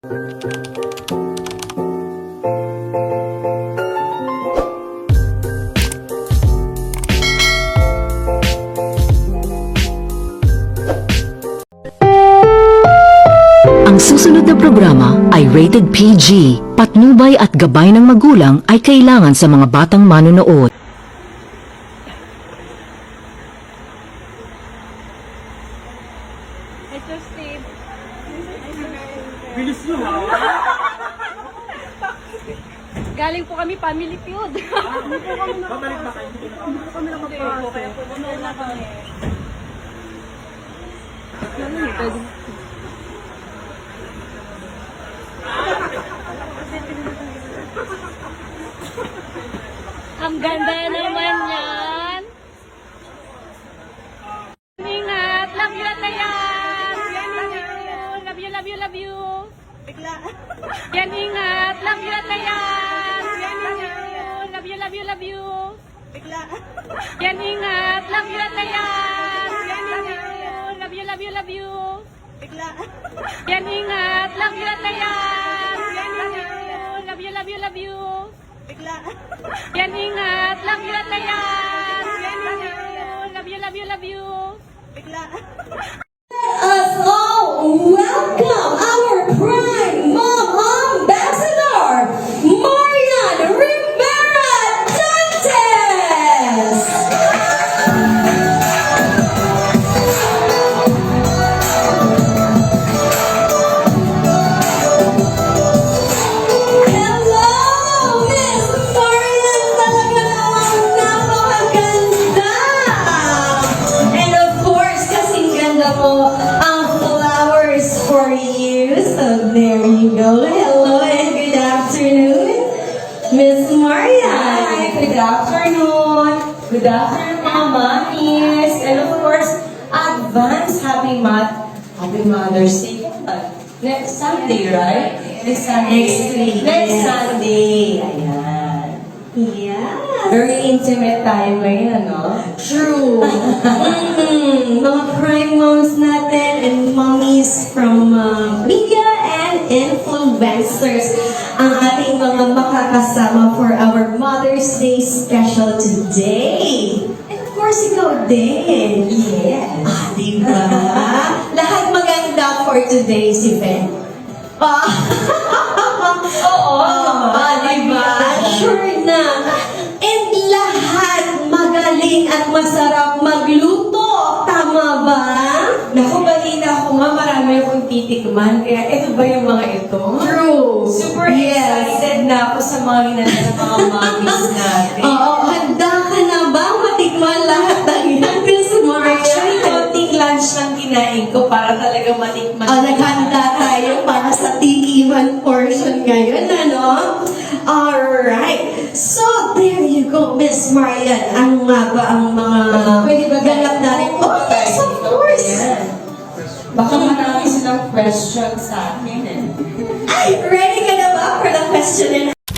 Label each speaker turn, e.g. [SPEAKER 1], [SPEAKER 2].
[SPEAKER 1] Ang susunod na programa ay rated PG. Patnubay at gabay ng magulang ay kailangan sa mga batang manonood.
[SPEAKER 2] Mr. Steve.
[SPEAKER 3] Bilis nyo ha?
[SPEAKER 2] Galing po kami family feud.
[SPEAKER 3] Babalik ba kayo? Hindi po kami nakapasok.
[SPEAKER 2] Kaya pupunta na kami. Ang ganda naman yan. Ingat. Love you, Atayan. Love you, love you, love you. Yan, ingat. Love you, Atayan. Love you, love you, love you. Yan, ingat. Love you, Atayan. Love you, love you, love you. Yan, ingat. Love you, Atayan. Love you, love you, love you. Yan, ingat. Love you, Atayan. Love you, love you, love you.
[SPEAKER 4] Us all welcome our prime mom ambassador, Marian Rivera Dantes. Hello, Miss Marian, talaga namang napakaganda. And of course, kasing ganda mo ang flowers for you. So there you go. Hello and good afternoon, Miss Maria. Hi, good afternoon. Good afternoon, mga mommies. And of course, advance Happy Mother's Day. Next Sunday, right? Next Sunday. Next week. Next Sunday. Ayan. Yeah. Very intimate tayo ngayon, ano? True. Mga prime moms natin and mommies from media and influencers ang ating mga makakasama for our Mother's Day special today. And of course, ikaw din. Yes. Diba? Lahat maganda for today's event. Oo. Diba? Sure na. And lahat magaling at masarap magluto. Tama ba?
[SPEAKER 5] Naku, balina ako nga, marami akong titikman. Kaya ito ba yung mga ito?
[SPEAKER 4] True.
[SPEAKER 5] Super
[SPEAKER 4] Yes.
[SPEAKER 5] excited na ako sa mga ginagawa ng mga mommies natin.
[SPEAKER 4] Oo, handa ka na ba matikman lahat ng yan, Miss Maria?
[SPEAKER 5] Actually, konting lunch lang kinain ko para talaga matikman.
[SPEAKER 4] Naghanda tayo para sa tikiman portion ngayon, ano? Alright. So, there you go, Miss Marian. Ano nga ba ang mga
[SPEAKER 5] Pwede ba
[SPEAKER 4] ganap natin? Oh, yes, of course.
[SPEAKER 5] Ayan. Baka marami silang questions sa akin eh.
[SPEAKER 4] Ay, ready ka na ba for the question and